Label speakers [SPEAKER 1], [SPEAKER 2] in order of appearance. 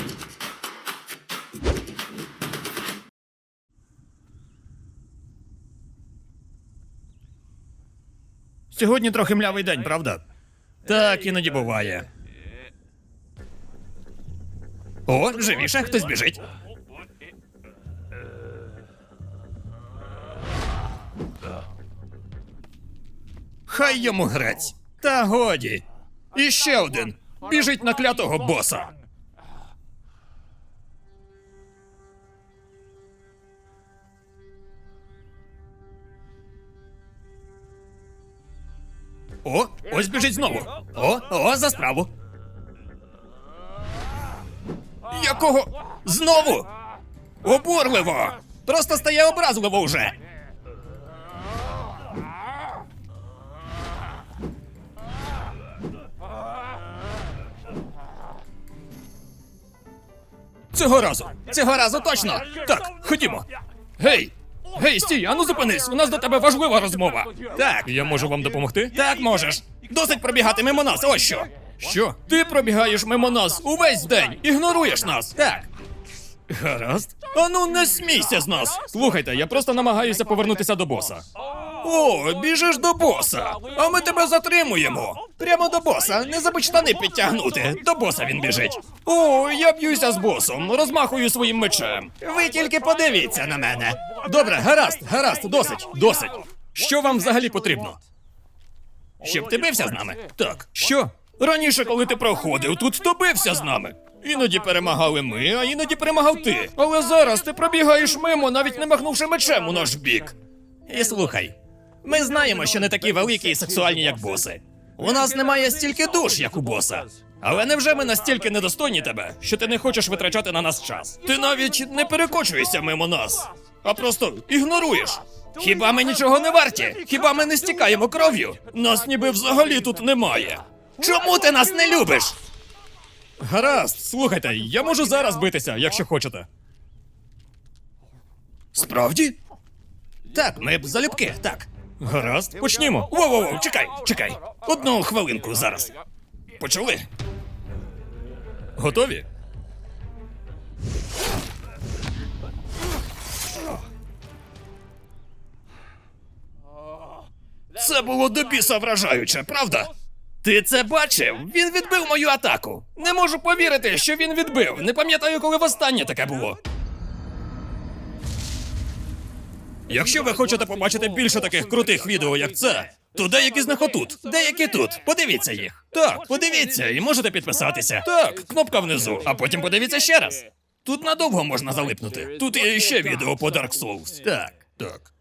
[SPEAKER 1] Сьогодні трохи млявий день, правда? Так, іноді буває. О, живіше, хтось біжить. Хай йому грець. Та годі. І ще один. Біжить на клятого боса. О, ось біжить знову. О, за справу. Якого? Знову? Обурливо! Просто стає образливо вже. Цього разу точно. Так, ходімо. Гей, стій, ану зупинись, у нас до тебе важлива розмова. Так, я можу вам допомогти? Так, можеш. Досить пробігати мимо нас, ось що. Що? Ти пробігаєш мимо нас увесь день, ігноруєш нас. Так. Гаразд. Ану, не смійся з нас. Слухайте, я просто намагаюся повернутися до боса. О, біжиш до боса, а ми тебе затримуємо. Прямо до боса, не забудь штани підтягнути. До боса він біжить. О, я б'юся з босом, розмахую своїм мечем. Ви тільки подивіться на мене. Добре, гаразд, досить. Що вам взагалі потрібно? Щоб ти бився з нами? Так. Що? Раніше, коли ти проходив тут, то бився з нами. Іноді перемагали ми, а іноді перемагав ти. Але зараз ти пробігаєш мимо, навіть не махнувши мечем у наш бік. І слухай, ми знаємо, що не такі великі і сексуальні, як боси. У нас немає стільки душ, як у боса. Але невже ми настільки недостойні тебе, що ти не хочеш витрачати на нас час? Ти навіть не перекочуєшся мимо нас, а просто ігноруєш. Хіба ми нічого не варті? Хіба ми не стікаємо кров'ю? Нас ніби взагалі тут немає. Чому ти нас не любиш? Гаразд, слухайте, я можу зараз битися, якщо хочете. Справді? Так, ми б залюбки, так. Гаразд, почнімо. Воу, чекай. Одну хвилинку зараз. Почали? Готові? Це було до біса вражаюче, правда? Ти це бачив? Він відбив мою атаку. Не можу повірити, що він відбив. Не пам'ятаю, коли востаннє таке було. Якщо ви хочете побачити більше таких крутих відео, як це, то деякі з них отут, деякі тут. Подивіться їх. Так, подивіться і можете підписатися. Так, кнопка внизу, а потім подивіться ще раз. Тут надовго можна залипнути. Тут є ще відео по Dark Souls. Так.